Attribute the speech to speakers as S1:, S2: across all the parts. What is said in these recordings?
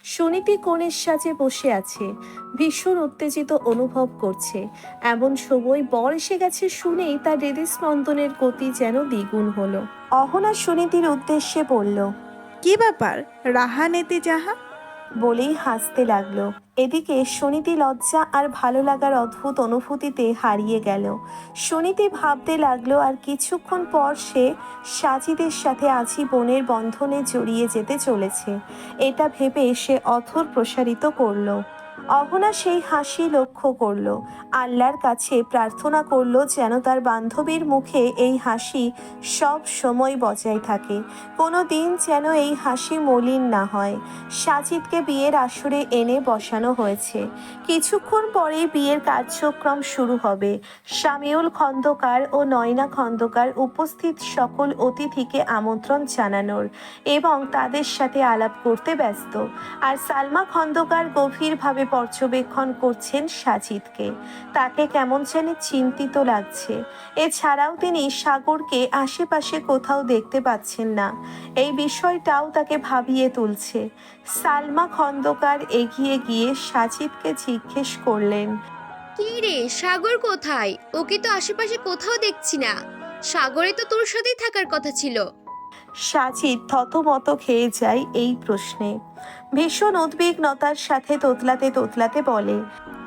S1: সুনীতি কোণের সাজে বসে আছে, ভীষণ উত্তেজিত অনুভব করছে। এমন সময় বর এসে গেছে শুনেই তার হৃদস্পন্দনের গতি যেন দ্বিগুণ হলো। অহনা সুনীতির উদ্দেশ্যে বলল,
S2: কি ব্যাপার রাহানেতে যাহা?
S1: বলেই হাসতে লাগলো। এদিকে সুনীতি লজ্জা আর ভালো লাগার অদ্ভুত অনুভূতিতে হারিয়ে গেল। সুনীতি ভাবতে লাগলো আর কিছুক্ষণ পর সে সাজিদের সাথে আজীবনের বন্ধনে জড়িয়ে যেতে চলেছে। এটা ভেবে সে অধর প্রসারিত করলো। অহনা সেই হাসি লক্ষ্য করলো, আল্লাহর কাছে প্রার্থনা করলো যেন তার বান্ধবীর মুখে এই হাসি সব সময় বজায় থাকে, কোনো দিন যেন এই হাসি মলিন না হয়। সাজিদকে বিয়ের আসরে এনে বসানো হয়েছে। কিছুক্ষণ পরেই বিয়ের কার্যক্রম শুরু হবে। শামিউল খন্দকার ও নয়না খন্দকার উপস্থিত সকল অতিথিকে আমন্ত্রণ জানানোর এবং তাদের সাথে আলাপ করতে ব্যস্ত। আর সালমা খন্দকার গভীরভাবে পর্যবেক্ষণ করছেন সাজিদকে। তাকে কেমন যেন চিন্তিত লাগছে। এছাড়াও তিনি সাগরকে আশেপাশে কোথাও দেখতে পাচ্ছেন না। এই বিষয়টাও তাকে ভাবিয়ে তুলছে। সালমা খন্দকার এগিয়ে গিয়ে সাজিদকে জিজ্ঞেস করলেন,
S3: কি রে, সাগর কোথায়? ওকে তো আশেপাশে কোথাও দেখছি না। সাগরে তো তোর সাথেই থাকার কথা ছিল।
S1: সাজিদ থতমত খেয়ে যায় এই প্রশ্নে। ভীষণ উদ্বিগ্নতার সাথে তোতলাতে তোতলাতে বলে,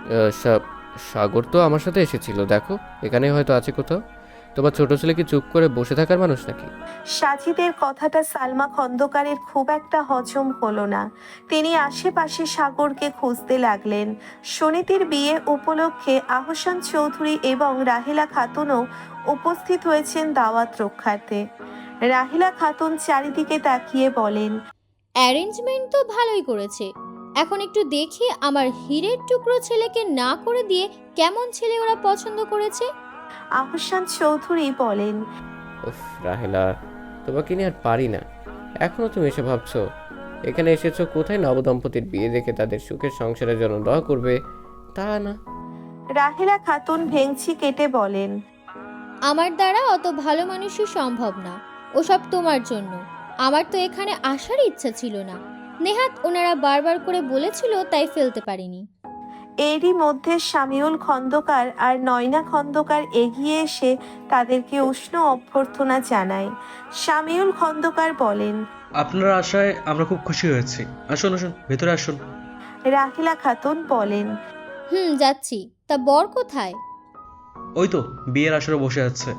S4: সাগর তো আমার সাথে এসেছিল, দেখো এখানে হয়তো আছে কোথাও। তোমার ছোট ছেলে কি চুপ করে বসে থাকার মানুষ নাকি?
S1: সাজিদের কথাটা সালমা খন্দকারের খুব একটা হজম হলো না। তিনি আশেপাশে সাগরকে খুঁজতে লাগলেন। সুনীতির বিয়ে উপলক্ষে আহসান চৌধুরী এবং রাহিলা খাতুনও উপস্থিত হয়েছেন দাওয়াত রক্ষার্থে। রাহিলা খাতুন চারিদিকে তাকিয়ে বলেন,
S5: অ্যারেঞ্জমেন্ট তো ভালোই করেছে। এখন একটু দেখি আমার হীরের টুকরো ছেলেকে না করে দিয়ে কেমন ছেলে ওরা পছন্দ করেছে।
S1: আহসান চৌধুরী বলেন,
S4: উফ রাহেলা, তোমাকে নিয়ে আর পারি না। এখনো তুমি এসে ভাবছো এখানে এসেছো কোথায় নবদম্পতির বিয়ে দেখে তাদের সুখের সংসারের জন্য দোয়া করবে, তা না।
S1: রাহিলা খাতুন ভেংচি কেটে বলেন,
S5: আমার দ্বারা অত ভালো মানুষই সম্ভব না। ওসব তোমার জন্য। আমার তো এখানে আসার ইচ্ছা ছিল না। নেহাত ওনারা বারবার করে বলেছিল, তাই ফেলতে পারিনি।
S1: এরই মধ্যে শামিউল খন্দকার আর নয়না খন্দকার এগিয়ে এসে তাদেরকে উষ্ণ অভ্যর্থনা জানায়। শামিউল খন্দকার বলেন,
S6: আপনার আশায় আমরা খুব খুশি হয়েছি। আসুন আসুন, ভেতরে আসুন।
S1: রাহিলা খাতুন বলেন,
S5: যাচ্ছি। তা বর কোথায়?
S6: ওই তো বিয়ের আসরে বসে আছে।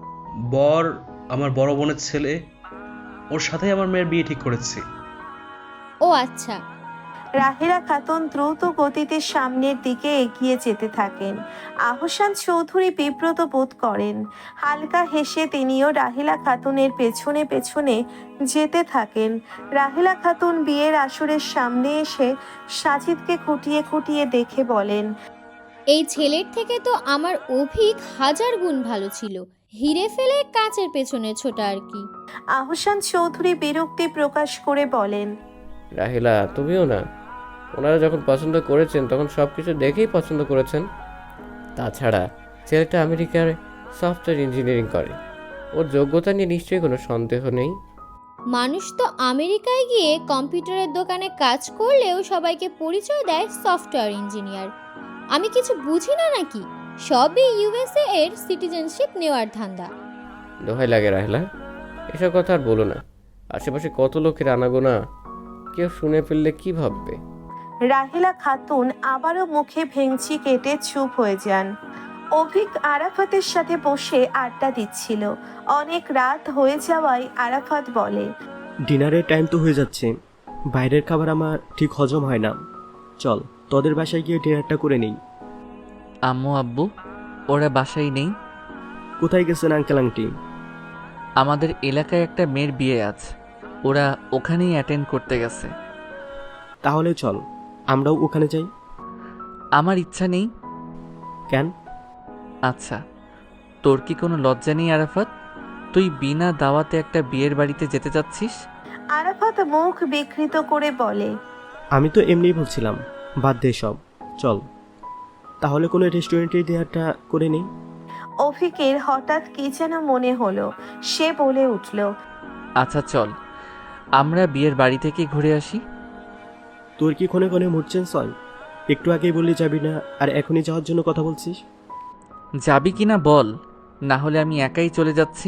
S6: বর আমার বড় বোনের ছেলে, ওর সাথেই আমার মেয়ের বিয়ে ঠিক করেছি।
S5: ও আচ্ছা।
S1: রাহিলা খাতুন দ্রুত গতিতে সামনের দিকে এগিয়ে যেতে থাকেন। আহসান চৌধুরী বিব্রত বোধ করেন। হালকা হেসে তিনিও রাহিলা খাতুনের পেছনে পেছনে যেতে থাকেন। রাহিলা খাতুন বিয়ের আসরের সামনে এসে সাজিদকে খুঁটিয়ে খুঁটিয়ে দেখে বলেন,
S5: এই ছেলের থেকে তো আমার অভিক 1000 গুণ ভালো ছিল। হিরে ফেলে কাঁচের পেছনে ছোটা আর কি।
S1: আহসান চৌধুরী বিরক্তি প্রকাশ করে বলেন,
S4: রাহিলা তুমিও না, ওনারা যখন পছন্দ করেছেন তখন সব কিছু দেখেই পছন্দ করেছেন। তাছাড়া ছেলেটা আমেরিকার সফটওয়্যার ইঞ্জিনিয়ারিং করে, ওর যোগ্যতা নিয়ে নিশ্চয়ই কোনো সন্দেহ নেই।
S5: মানুষ তো আমেরিকায় গিয়ে কম্পিউটারের দোকানে কাজ করলেও সবাইকে পরিচয় দেয় সফটওয়্যার ইঞ্জিনিয়ার। আমি কিছু বুঝি না নাকি? সবই ইউএসএ এর সিটিজেনশিপ নেওয়ার ধান্দা।
S4: দোহাই লাগে রাহেলা, এসব কথা আর বলো না। আশেপাশে কত লোকের আনাগোনা, কেউ শুনে ফেললে কি ভাববে?
S1: রাহিলা খাতুন আবারও মুখে ভেংচি কেটে চুপ হয়ে যান। অভিক আরাফাতের সাথে বসে আড্ডা দিচ্ছিল। অনেক রাত হয়ে যাওয়ায় আরাফাত বলে,
S7: ডিনারের টাইম তো হয়ে যাচ্ছে, বাইরের খাবার আমার ঠিক হজম হয় না। চল তোদের বাসায় গিয়ে ডিনারটা করে নেই।
S8: আম্মু আব্বু ওরা বাসায় নেই।
S7: কোথায় গেছেন আঙ্কেল আন্টি?
S8: আমাদের এলাকায় একটা মেয়ের বিয়ে আছে, ওরা ওখানেই অ্যাটেন্ড করতে গেছে।
S7: তাহলে চল আমরাও ওখানে যাই।
S8: আমার ইচ্ছা নেই।
S7: কেন?
S8: আচ্ছা, তোর কি কোনো লজ্জা নেই আরাফাত? তুই বিনা দাওয়াতে একটা বিয়ের বাড়িতে যেতে চাচ্ছিস?
S1: আরাফাত মুখ বিকৃত করে বলে,
S7: আমি তো এমনিই বলছিলাম, বাদ দে সব, চল তাহলে কোনো রেস্টুরেন্টে ডিনারটা করে নেই।
S1: অভিকের হঠাৎ কি যেন মনে হলো, সে বলে উঠল,
S8: আচ্ছা চল, আমরা বিয়ের বাড়ি থেকে ঘুরে আসি।
S7: তোর কি ক্ষণে ক্ষণে মুড চেঞ্জ হয়? একটু আগেই বললি যাবি না, আর এখনই যাওয়ার জন্য কথা বলছিস।
S8: যাবি কি না বল, না হলে আমি একাই চলে যাচ্ছি।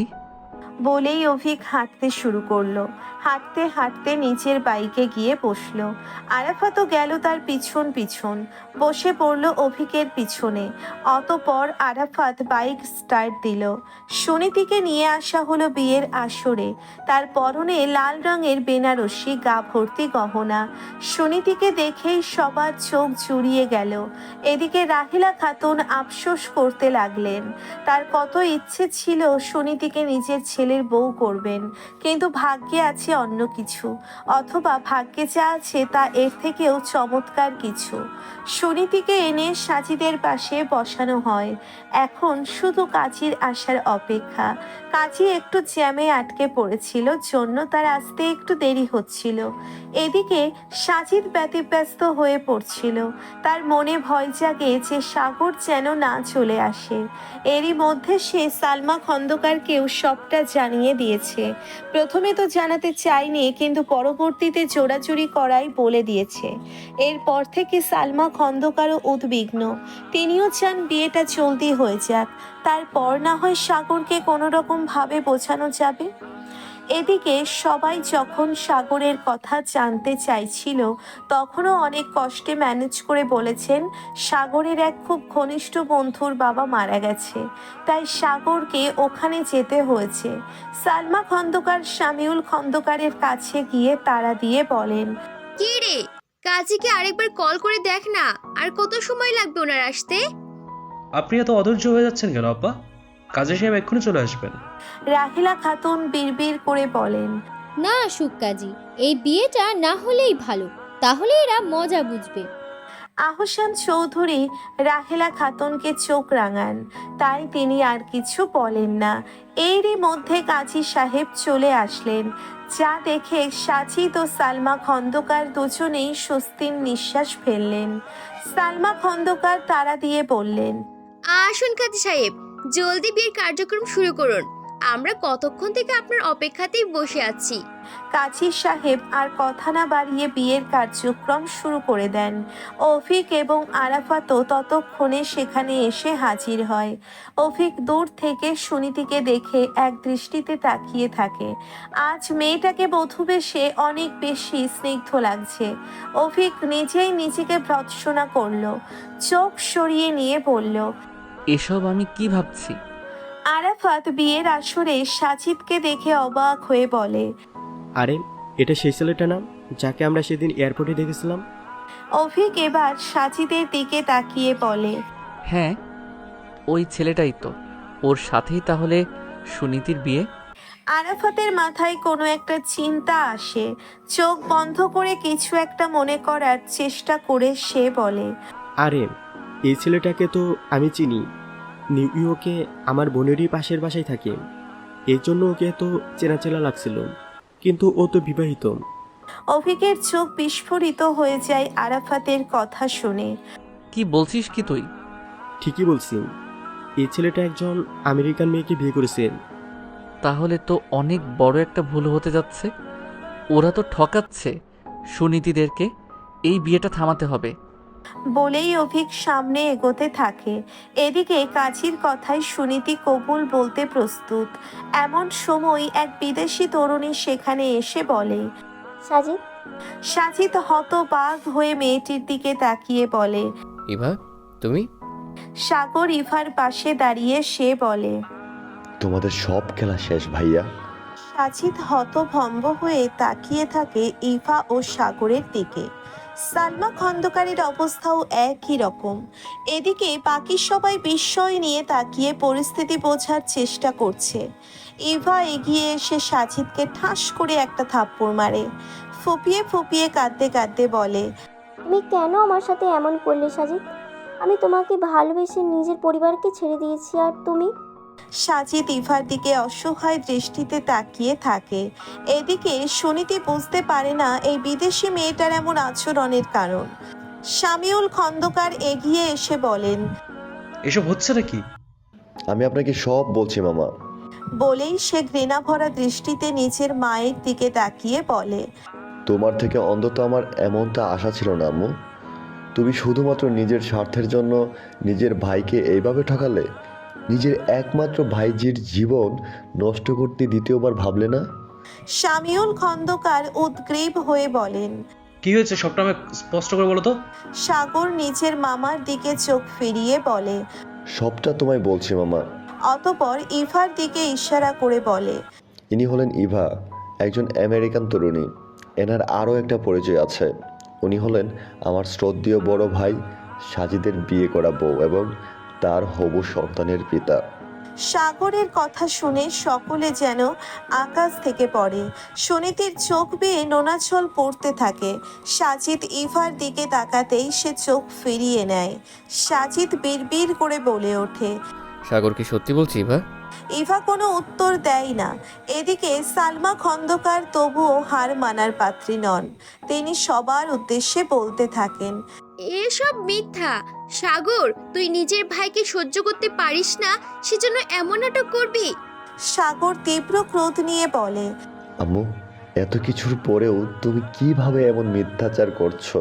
S1: বলেই অভিক হাঁটতে শুরু করলো। হাঁটতে হাঁটতে নিচের বাইকে গিয়ে বসলো। আরাফাতও গেল তার পিছন পিছন, বসে পড়লো অভিকের পিছনে। অতপর আরাফাত বাইক স্টার্ট দিল। সুনীতিকে নিয়ে আসা হলো বিয়ের আসরে। তার পরনে লাল রঙের বেনারসি, গা ভর্তি গহনা। সুনীতিকে দেখেই সবার চোখ জুড়িয়ে গেল। এদিকে রাহিলা খাতুন আফসোস করতে লাগলেন। তার কত ইচ্ছে ছিল সুনীতিকে নিজের ছেলের বউ করবেন, কিন্তু ভাগ্যে আছে অন্য কিছু, অথবা ভাগ্যে যা আছে তা এর থেকেও চমৎকার কিছু। সুনীতিকে এনে সাজিদের পাশে বসানো হয়। এখন শুধু কাজীর আসার অপেক্ষা। কাজী একটু জ্যামে আটকে পড়েছিল, জন্য তার আসতে একটু দেরি হচ্ছিল। এদিকে সাজিদ ব্যতিব্যস্ত হয়ে পড়ছিল। তার মনে ভয় জাগে যে সাগর যেন না চলে আসে। এরই মধ্যে সে সালমা খন্দকারকেও সবটা জানিয়ে দিয়েছে। প্রথমে তো জানাতে চায়নি, কিন্তু পরবর্তীতে জোরাজুরি করাই বলে দিয়েছে। এরপর থেকে সালমা খন্দকারও উদ্বিগ্ন। তিনিও চান বিয়েটা জলদি হয়ে যাক, তারপর না হয় সাগরকে কোনো রকম ভাবে বোঝানো যাবে। এদিকে সবাই যখন সাগরের কথা জানতে চাইছিল, তখনও অনেক কষ্টে ম্যানেজ করে বলেছেন সাগরের এক খুব ঘনিষ্ঠ বন্ধুর বাবা মারা গেছে, তাই সাগরকে ওখানে যেতে হয়েছে। সালমা খন্দকার শামিউল খন্দকারের কাছে গিয়ে তাড়া দিয়ে বলেন,
S3: কি রে, কাজীকে আরেকবার কল করে দেখ না, আর কত সময় লাগবে ওনার আসতে?
S6: আপনি এত অধৈর্য হয়ে যাচ্ছেন কেন আব্বা? কাজী সাহেব এক্ষুনি চলে আসবেন।
S1: রাহিলা খাতুন বিড়বিড় করে বলেন,
S5: না আসুক কাজী, এই বিয়েটা না হলেই ভালো, তাহলে এরা মজা বুঝবে।
S1: আহসান চৌধুরী রাহেলা খাতুনকে চোখ রাঙান, তাই তিনি আর কিছু বলেন না। এরই মধ্যে কাজী সাহেব চলে আসলেন, যা দেখে সাজিদ ও সালমা খন্দকার দুজনেই স্বস্তির নিঃশ্বাস ফেললেন। সালমা খন্দকার তাড়া দিয়ে বললেন,
S3: আসুন কাজী সাহেব, জলদি বিয়ের কার্যক্রম শুরু করুন, আমরা কতক্ষণ থেকে আপনার অপেক্ষাতেই বসে আছি।
S1: কাজী সাহেব আর কথা না বাড়িয়ে বিয়ের কার্যক্রম শুরু করে দেন। অভিক এবং আরাফাতও ততক্ষণে সেখানে এসে হাজির হয়। অভিক দূর থেকে সুনীতিকে দেখে এক দৃষ্টিতে তাকিয়ে থাকে। আজ মেয়েটাকে বধূবেশে অনেক বেশি স্নিগ্ধ লাগছে। অভিক নিজেই নিজেকে ভর্ৎসনা করলো, চোখ সরিয়ে নিয়ে বলল,
S8: এসব আমি কি ভাবছি?
S1: আরাফাত বিয়ের আসরে সাজিদকে দেখে অবাক হয়ে বলে,
S7: আরে এটা সেই ছেলেটা না যাকে আমরা সেদিন এয়ারপোর্টে দেখেছিলাম?
S1: অভিক এবার সাজিদের দিকে তাকিয়ে বলে,
S8: হ্যাঁ, ওই ছেলেটাই তো। ওর সাথেই তাহলে সুনীতির বিয়ে।
S1: আরাফাতের মাথায় কোনো একটা চিন্তা আসে। চোখ বন্ধ করে কিছু একটা মনে করার চেষ্টা করে সে বলে,
S7: আরে এই ছেলেটাকে তো আমি চিনি, নিউ ইয়র্কে আমার বোনেরই পাশের বাসায় থাকে, এই জন্য ওকে তো চেনা চেনা লাগছিল, কিন্তু ও তো বিবাহিত।
S1: অভিকের চোখ বিস্ফোরিত হয়ে যায় আরাফাতের কথা শুনে।
S8: কি বলছিস কি তুই?
S7: ঠিকই বলছি, এই ছেলেটা একজন আমেরিকান মেয়েকে বিয়ে করেছে।
S8: তাহলে তো অনেক বড় একটা ভুল হতে যাচ্ছে। ওরা তো ঠকাচ্ছে সুনীতিদেরকে। এই বিয়েটা থামাতে হবে।
S1: বলেই অভিক সামনে এগোতে থাকে। এদিকে কাজীর কথায় সুনীতি কবুল বলতে প্রস্তুত। এমন সময় এক বিদেশি তরুণী সেখানে এসে বলে,
S9: সাজিদ।
S1: সাজিদ হতবাক হয়ে মেয়েটির দিকে তাকিয়ে বলে,
S4: ইভা, তুমি?
S1: সাগর ইভার পাশে দাঁড়িয়ে সে বলে,
S10: তোমাদের সব খেলা শেষ ভাইয়া।
S1: সাজিদ হতভম্ব হয়ে তাকিয়ে থাকে ইভা ও সাগরের দিকে। সালমা খন্দকারের অবস্থাও একই রকম। এদিকে বাকি সবাই বিস্ময় নিয়ে তাকিয়ে পরিস্থিতি বোঝার চেষ্টা করছে। ইভা এগিয়ে এসে সাজিদকে ঠাস করে একটা থাপ্পড় মারে। ফুপিয়ে ফুপিয়ে কাঁদতে কাঁদতে বলে,
S9: তুমি কেন আমার সাথে এমন করলে সাজিদ? আমি তোমাকে ভালোবেসে নিজের পরিবারকে ছেড়ে দিয়েছি, আর তুমি?
S1: সাজিদ ইভার দিকে অসহায় দৃষ্টিতে তাকিয়ে থাকে। এদিকে সুনীতি বুঝতে পারে না এই বিদেশি মেয়েটার এমন আচরণের কারণ। শামিউল খন্দকার এগিয়ে এসে বলেন,
S6: এসব হচ্ছে নাকি?
S10: আমি আপনাকে সব বলছি মামা।
S1: বলেই সে ঘৃণা ভরা দৃষ্টিতে নিজের মায়ের দিকে তাকিয়ে বলে,
S10: তোমার থেকে অন্তত আমার এমনটা আশা ছিল না আম্মু। তুমি শুধুমাত্র নিজের স্বার্থের জন্য নিজের ভাইকে এইভাবে ঠকালে। নিজের একমাত্র ভাইজির জীবন নষ্ট করতে দ্বিতীয়বার ভাবলে না?
S1: শামিউল খন্দকার উদ্গ্রীব হয়ে বলেন।
S6: কি হয়েছে সবটা আমাকে স্পষ্ট করে বলো তো।
S1: সাগর নিজের মামার দিকে চোখ ফিরিয়ে বলে।
S10: সবটা তোমায় বলছি মামা।
S1: অতপর ইভার দিকে ইশারা করে বলে।
S10: ইনি হলেন ইভা, একজন আমেরিকান তরুণী। এনার আরও একটা পরিচয় আছে। উনি হলেন আমার শ্রদ্ধেয় বড় ভাই সাজিদের বিয়ে করা বউ এবং তার হবু সন্তানের পিতা।
S1: সাগরের কথা শুনে সকলে যেন আকাশ থেকে পড়ে। সুনীতির চোখ বেয়ে নোনাছল পড়তে থাকে। সাজিদ ইভার দিকে তাকাতেই সে চোখ ফিরিয়ে নেয়। সাজিদ বিড়বিড় করে বলে ওঠে।
S4: সাগর কি সত্যি বলছি ইভা?
S1: ইভা কোনো উত্তর দেয় না। এদিকে সালমা খন্দকার তবুও হার মানার পাত্রী নন। তিনি সবার উদ্দেশ্যে বলতে থাকেন।
S3: এসব মিথ্যা। সাগর, তুই নিজের ভাইকে সহ্য করতে পারিস না, সেজন্য এমন নাটক করবি?
S1: সাগর তীব্র ক্রোধ নিয়ে বলে।
S10: আম্মু, এত কিছুর পরেও তুমি কিভাবে এমন মিথ্যাচার করছো?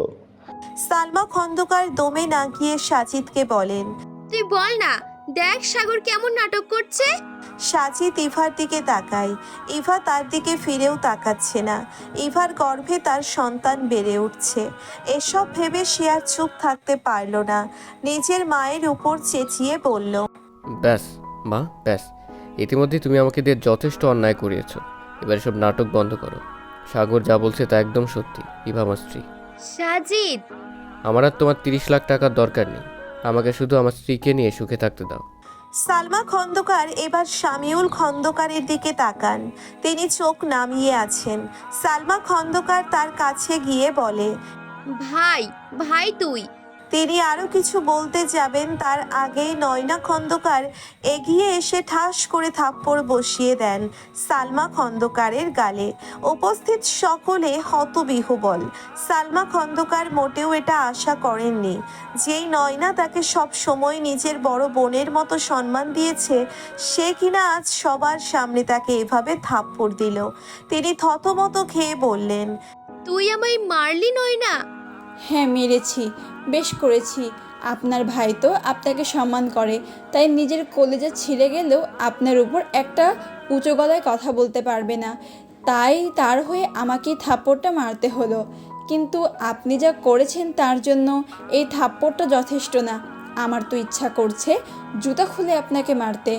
S1: সালমা খন্দকার দমে না গিয়ে সাজিদকে বলেন।
S3: তুই বল না, দেখ সাগর কেমন নাটক করছে।
S1: সাজিদ ইভার দিকে তাকায়। ইভা তার দিকে ফিরেও তাকাচ্ছে না। ইভার গর্ভে তার সন্তান বেড়ে উঠছে। এসব ভেবে সে আর চুপ থাকতে পারল না। নিজের মায়ের উপর চেঁচিয়ে বলল।
S4: ব্যাস মা, ব্যাস। ইতিমধ্যে তুমি আমাকে দিয়ে যথেষ্ট অন্যায় করিয়েছো। এবার সব নাটক বন্ধ করো। সাগর যা বলছে তা একদম সত্যি। ইভা আমার স্ত্রী।
S3: সাজিদ,
S4: আমার আর তোমার 30 লাখ টাকার দরকার নেই। আমাকে শুধু আমার স্ত্রীকে নিয়ে সুখে থাকতে দাও।
S1: সালমা খন্দকার এবার শামিউল খন্দকারের দিকে তাকান। তিনি চোখ নামিয়ে আছেন। সালমা খন্দকার তার কাছে গিয়ে বলে।
S3: ভাই, ভাই তুই।
S1: তিনি আরো কিছু বলতে যাবেন তার আগেই নয়না খন্দকার এগিয়ে এসে ঠাস করে থাপ্পড় বসিয়ে দেন সালমা খন্দকারের গালে। উপস্থিত সকলে হতবিহ্বল। সালমা খন্দকার মোটেও এটা আশা করেননি। যেই নয়না তাকে সব সময় নিজের বড় বোনের মতো সম্মান দিয়েছে, সে কিনা আজ সবার সামনে তাকে এভাবে থাপ্পড় দিল। তিনি থতমত খেয়ে বললেন।
S3: তুই আমায় মারলি নয়না?
S2: হ্যাঁ, মেরেছি, বেশ করেছি। আপনার ভাই তো আপনাকে সম্মান করে, তাই নিজের কলেজা ছিঁড়ে গেলেও আপনার উপর একটা উঁচু গলায় কথা বলতে পারবে না, তাই তার হয়ে আমাকে থাপ্পড়টা মারতে হলো। কিন্তু আপনি যা করেছেন তার জন্য এই থাপ্পড়টা যথেষ্ট না। আমার তো ইচ্ছা করছে জুতা খুলে আপনাকে মারতে।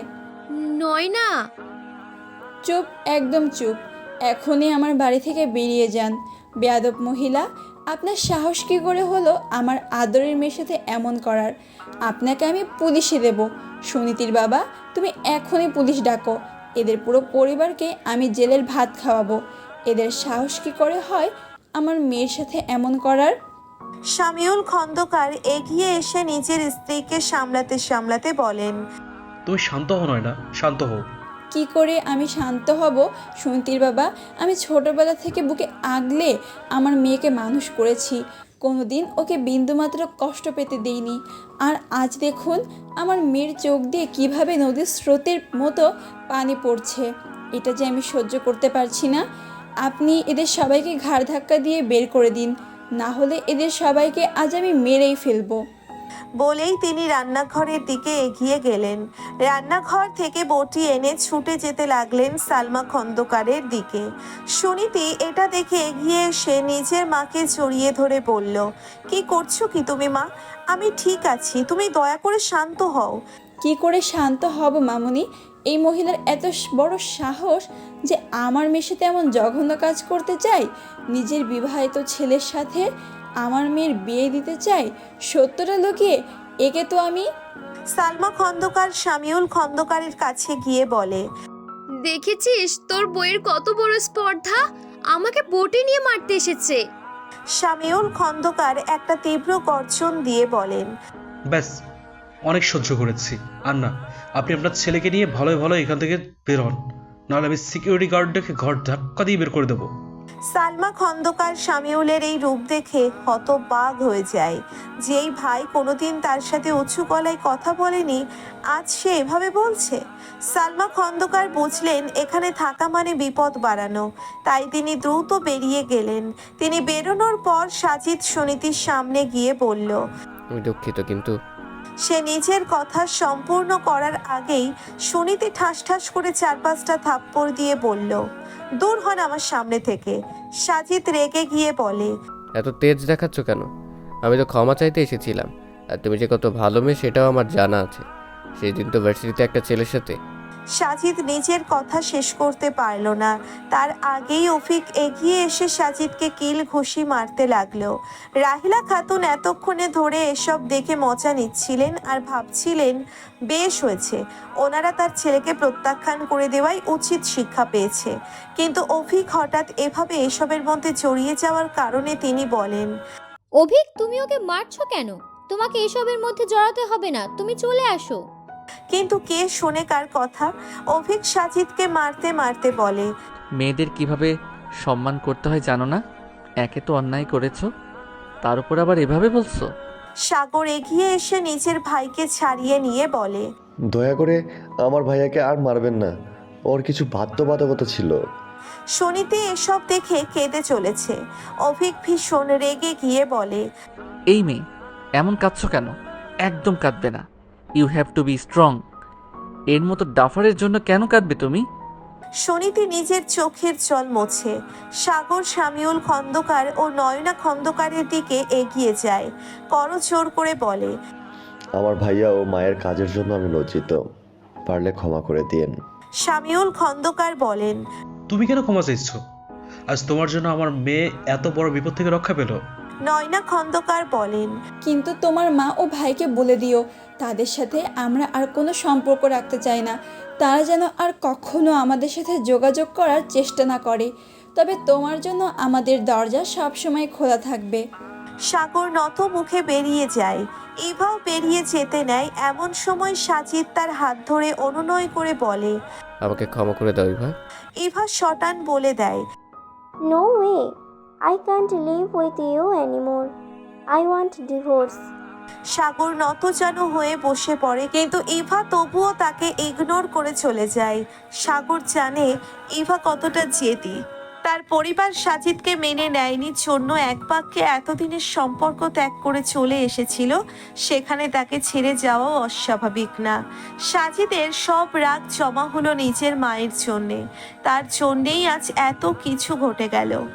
S3: নয়না।
S2: চুপ, একদম চুপ। এখনই আমার বাড়ি থেকে বেরিয়ে যান, বেয়াদব মহিলা। আপনার সাহস কী করে হলো আমার আদরের মেয়ের সাথে এমন করার? আপনাকে আমি পুলিশে দেব। সুনীতির বাবা, তুমি এখনই পুলিশ ডাকো। এদের পুরো পরিবারকে আমি জেলের ভাত খাওয়াবো। এদের সাহস কী করে হয় আমার মেয়ের সাথে এমন করার?
S1: শামিউল খন্দকার এগিয়ে এসে নিজের স্ত্রীকে সামলাতে সামলাতে বলেন।
S6: তুমি শান্ত হও নয় না, শান্ত হও।
S2: কি করে আমি শান্ত হব সুনীতির বাবা? আমি ছোটবেলা থেকে বুকে আগলে আমার মেয়েকে মানুষ করেছি। কোনোদিন ওকে বিন্দুমাত্র কষ্ট পেতে দিইনি। আর আজ দেখুন আমার মেয়ের চোখ দিয়ে কিভাবে নদীর স্রোতের মতো পানি পড়ছে। এটা যে আমি সহ্য করতে পারছি না। আপনি এদের সবাইকে ঘাড় ধাক্কা দিয়ে বের করে দিন, না হলে এদের সবাইকে আজ আমি মেরেই ফেলবো।
S1: বলেই তিনি রান্নাঘরের দিকে এগিয়ে গেলেন। রান্নাঘর থেকে বটি এনে ছুটে যেতে লাগলেন সালমা খন্দকারের দিকে। সুনীতি এটা দেখে এগিয়ে এসে নিজের মাকে জড়িয়ে ধরে বলল। কি করছো কি তুমি মা? আমি ঠিক আছি, তুমি দয়া করে শান্ত হও।
S2: কি করে শান্ত হব মামুনি? এই মহিলার এত বড় সাহস যে আমার মেয়ের সাথে এমন জঘন্য কাজ করতে চায়। নিজের বিবাহিত ছেলের সাথে আমার মেয়ের বিয়ে দিতে চাই। সত্যটা লুকিয়ে একে তো আমি।
S1: সালমা খন্দকার শামিউল খন্দকারের কাছে গিয়ে বলে।
S3: দেখেছিস তোর বইয়ের কত বড় স্পর্ধা? আমাকে বটি নিয়ে মারতে এসেছে।
S1: শামিউল খন্দকার একটা তীব্র গর্জন দিয়ে বলেন।
S6: ব্যাস, অনেক সহ্য করেছি। আর না, আপনি আপনার ছেলেকে নিয়ে ভালোই ভালো এখান থেকে বের হন, নাহলে আমি সিকিউরিটি গার্ড ডেকে ঘর ধাক্কা দিয়ে বের করে দেবো।
S1: সালমা খন্দকার শামিউলের এই রূপ দেখে হতবাক হয়ে যায়। যেই ভাই কোনোদিন তার সাথে উঁচু গলায় কথা বলেনি, আজ সে এভাবে বলছে। সালমা খন্দকার বুঝলেন এখানে থাকা মানে বিপদ বাড়ানো, তাই তিনি দ্রুত বেরিয়ে গেলেন। তিনি বেরোনোর পর সাজিদ সুনীতির সামনে গিয়ে বলল,
S4: আমি দুঃখিত, কিন্তু
S1: সে নিজের কথা সম্পূর্ণ করার আগেই সুনীতি ঠাস ঠাস করে 4-5টা থাপ্পড় দিয়ে বলল, দূর হন আমার সামনে থেকে। সাজিদ রেগে গিয়ে বলে,
S4: এত তেজ দেখাচ্ছ কেন? আমি তো ক্ষমা চাইতে এসেছিলাম, আর তুমি যে কত ভালো মেয়ে সেটাও আমার জানা আছে। সেই দিন তো ভার্সিটিতে একটা ছেলের সাথে।
S1: সাজিদ নিজের কথা শেষ করতে পারল না, তার আগেই অফিক এগিয়ে এসে সাজিদকে কিল ঘুষি মারতে লাগলো। রাহিলা খাতুন এতক্ষণে ধরে এসব দেখে মজা নিচ্ছিলেন আর ভাবছিলেন বেশ হয়েছে, ওনারা তার ছেলেকে প্রত্যাখ্যান করে দেওয়াই উচিত শিক্ষা পেয়েছে। কিন্তু অফিক হঠাৎ এভাবে এসবের মধ্যে জড়িয়ে যাওয়ার কারণে তিনি বলেন,
S5: অভিক, তুমি ওকে মারছো কেন? তোমাকে এসবের মধ্যে জড়াতে হবে না, তুমি চলে আসো।
S1: কিন্তু কে শোনে কার কথা? অভিক সাজিদকে মারতে মারতে বলে,
S8: মেয়েদের কিভাবে সম্মান করতে হয় জানো না? একে তো অন্যায় করেছো, তার উপর আবার এভাবে বলছো?
S1: সাগর এগিয়ে এসে নিজের ভাইকে ছাড়িয়ে নিয়ে বলে,
S10: দয়া করে আমার ভাইয়াকে আর মারবেন না, ওর কিছু বাধ্যবাধকতা ছিল।
S1: সুনীতি এসব দেখে কেঁদে চলেছে। অভিক ভীষণ রেগে গিয়ে বলে,
S8: এই মেয়ে, এমন কাঁদছো কেন? একদম কাঁদবে না। You have to be strong. এর মতো ডাফারের জন্য কেন কাঁদবে তুমি?
S1: সুনীতি নিজের চোখের জল মোছে। সাগর শামিউল খন্দকার ও নয়না খন্দকারের দিকে এগিয়ে যায়, করজোর করে বলে,
S10: আমার ভাইয়া ও মায়ের কাজের জন্য আমি লজ্জিত, পারলে ক্ষমা করে দিন।
S1: শামিউল খন্দকার বলেন,
S6: তুমি কেন ক্ষমা চাইছো? আজ তোমার জন্য আমার মেয়ে এত বড় বিপদ থেকে রক্ষা পেল।
S1: নয়না খন্দকার বলেন,
S2: কিন্তু তোমার মা ও ভাইকে বলে দিও তাদের সাথে আমরা আর কোনো সম্পর্ক রাখতে চাই না। তারা যেন আর কখনো আমাদের সাথে যোগাযোগ করার চেষ্টা না করে। তবে তোমার জন্য আমাদের দরজা সবসময় খোলা থাকবে।
S1: সাগর নত মুখে বেরিয়ে যায়। ইভাও বেরিয়ে যেতে নেয়। এমন সময় সাজিদ তার হাত ধরে অনুনয় করে বলে,
S4: আমাকে ক্ষমা করে দাও ইভা।
S1: ইভা শটান বলে দেয়,
S9: no way, I can't live with you anymore, I want divorce.
S1: Sagar নতজানু হয়ে বসে পড়ে, কিন্তু ইভা তবুও তাকে ইগনোর করে চলে যায়। সাগর জানে ইভা কতটা জেদি। তার পরিবার সাজিদকে মেনে নেয়নি জন্য এক বাক্যে এতদিনের সম্পর্ক ত্যাগ করে চলে এসেছিল, সেখানে তাকে ছেড়ে যাওয়াও অস্বাভাবিক না। সাজিদের সব রাগ জমা হলো নিজের মায়ের জন্যে, তার জন্যেই আজ এত কিছু ঘটে গেল।